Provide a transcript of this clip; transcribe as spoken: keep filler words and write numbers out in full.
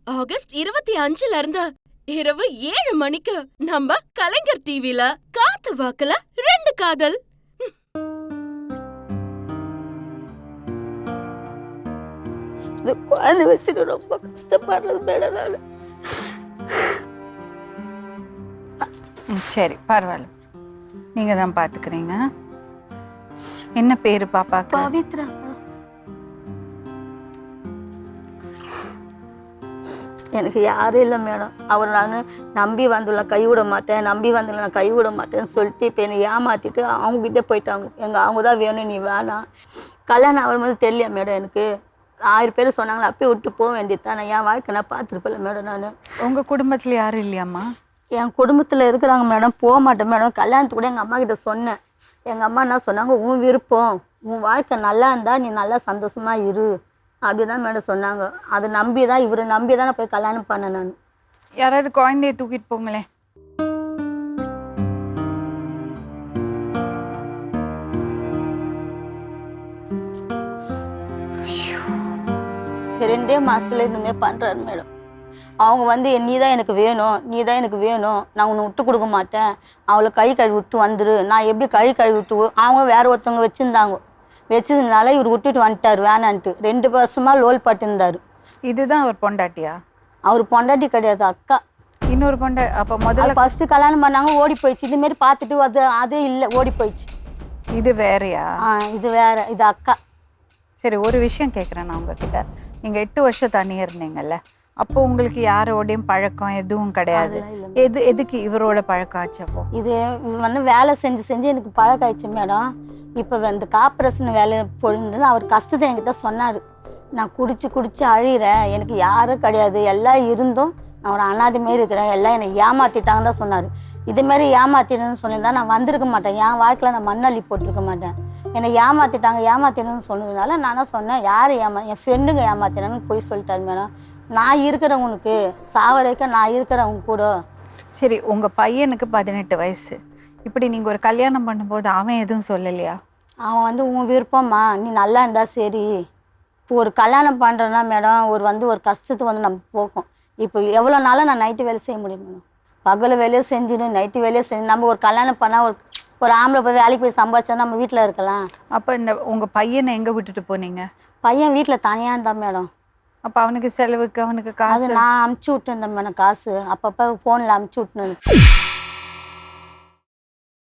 August இருபத்தி அஞ்சுல இருந்து இரவு ஏழு மணிக்கு நம்ம கலைஞர் டிவில காத்து வாக்குல ரெண்டு காதல். குழந்தை வச்சுட்டு ரொம்ப கஷ்டப்படுறது மேடம் நானு. சரி பரவாயில்ல, நீங்க தான் பாத்துக்கிறீங்க. என்ன பேரு பாப்பாக்கு? பவித்ரா. எனக்கு யாரும் இல்லை மேடம். அவர் நான் நம்பி வந்துள்ள கைவிட மாட்டேன், நம்பி வந்துள்ள நான் கைவிட மாட்டேன்னு சொல்லிட்டு இப்போ என்னை ஏமாற்றிட்டு அவங்ககிட்ட போயிட்டாங்க. எங்கள் அவங்க தான் வேணும், நீ வேணாம். கல்யாணம் ஆகும் போது தெரியல மேடம். எனக்கு ஆயிரம் பேர் சொன்னாங்களே, அப்பயே விட்டு போக வேண்டியது தான். நான் என் வாழ்க்கை நான் பார்த்துருப்பேன்ல மேடம். நான் உங்கள் குடும்பத்தில் யாரும் இல்லையாம்மா? என் குடும்பத்தில் இருக்கிறாங்க மேடம். போக மாட்டேன் மேடம். கல்யாணத்துக்கு கூட எங்கள் அம்மா கிட்ட சொன்னேன். எங்கள் அம்மா என்ன சொன்னாங்க, உன் விருப்பம், உன் வாழ்க்கை நல்லா இருந்தால் நீ நல்லா சந்தோஷமாக இரு அப்படி தான் மேடம் சொன்னாங்க. அதை நம்பி தான், இவரை நம்பி தான் நான் போய் கல்யாணம் பண்ணேன். நான் யாராவது குழந்தைய தூக்கிட்டு போங்களேன். ரெண்டே மாதத்துல இதுமாரி பண்ணுறாரு மேடம். அவங்க வந்து நீ தான் எனக்கு வேணும், நீ தான் எனக்கு வேணும், நான் உன்னை விட்டு கொடுக்க மாட்டேன், அவளை கை கழுவி விட்டு வந்துரு. நான் எப்படி கை கழுவி விட்டு, அவங்க வேற ஒருத்தவங்க வச்சுருந்தாங்க, வச்சதுனால இவர் விட்டுட்டு வந்துட்டார் வேணான்ட்டு. ரெண்டு வருஷமாக லோல் பட்டுருந்தார். இதுதான் அவர் பொண்டாட்டியா? அவர் பொண்டாட்டி கிடையாது, அக்கா. இன்னொரு பொண்டா? அப்போ முதல்ல ஃபர்ஸ்ட் கல்யாணம் பண்ணாங்க, ஓடி போயிடுச்சு. இதுமாரி பார்த்துட்டு அது அது இல்லை, ஓடி போயிடுச்சு. இது வேறையா? ஆ இது வேற, இது அக்கா. சரி, ஒரு விஷயம் கேட்குறேன் நான் உங்ககிட்ட. நீங்கள் எட்டு வருஷம் தனியாக இருந்தீங்கல்ல, அப்போ உங்களுக்கு யாரோடையும் பழக்கம் எதுவும் கிடையாது. எது எதுக்கு இவரோட பழக்கம் ஆச்சு? அப்போ இது வந்து வேலை செஞ்சு செஞ்சு எனக்கு பழக்கம் ஆயிடுச்சு மேடம். இப்போ இந்த கார்பரேஷன் வேலை பொழுது அவர் கஷ்டத்தை என்கிட்ட சொன்னார். நான் குடிச்சு குடிச்சு அழிகிறேன், எனக்கு யாரும் கிடையாது, எல்லாம் இருந்தும் நான் ஒரு அனாதை மாரி இருக்கிறேன், எல்லாம் என்னை ஏமாற்றிட்டாங்கன்னு தான் சொன்னார். இதுமாரி ஏமாத்திடுன்னு சொல்லியிருந்தா நான் வந்திருக்க மாட்டேன், என் வாழ்க்கையில் நான் மண்ணள்ளி போட்டிருக்க மாட்டேன். என்னை ஏமாற்றிட்டாங்க, ஏமாத்திடணும்னு சொன்னதுனால நான் சொன்னேன், யார் ஏமா என் ஃப்ரெண்டுங்க ஏமாத்தினு போய் சொல்லிட்டாரு மேடம். நான் இருக்கிறவனுக்கு சாவரைக்க நான் இருக்கிறவங்க கூட. சரி, உங்கள் பையனுக்கு பதினெட்டு வயசு. இப்படி நீங்கள் ஒரு கல்யாணம் பண்ணும்போது அவன் எதுவும் சொல்லலையா? அவன் வந்து உன் விருப்பம்மா, நீ நல்லா இருந்தா சரி. இப்போ ஒரு கல்யாணம் பண்ணுறேன்னா மேடம், ஒரு வந்து ஒரு கஷ்டத்துக்கு வந்து நம்ம போக்கும். இப்போ எவ்வளோ நாளும் நான் நைட்டு வேலை செய்ய முடியும் மேடம். பகல் வேலையை செஞ்சிடும், நைட்டு வேலையை செஞ்சு நம்ம ஒரு கல்யாணம் பண்ணால் ஒரு ஒரு ஆம்பளை போய் வேலைக்கு போய் சம்பாதிச்சா நம்ம வீட்டில் இருக்கலாம். அப்போ இந்த உங்கள் பையனை எங்கே விட்டுட்டு போனீங்க? பையன் வீட்டில் தனியாக இருந்தான் மேடம். அப்போ அவனுக்கு செலவுக்கு அவனுக்கு காசு நான் அமுச்சு விட்டுருந்தேன் மேடம். காசு அப்பப்போ ஃபோனில் அமுச்சு விட்டுனு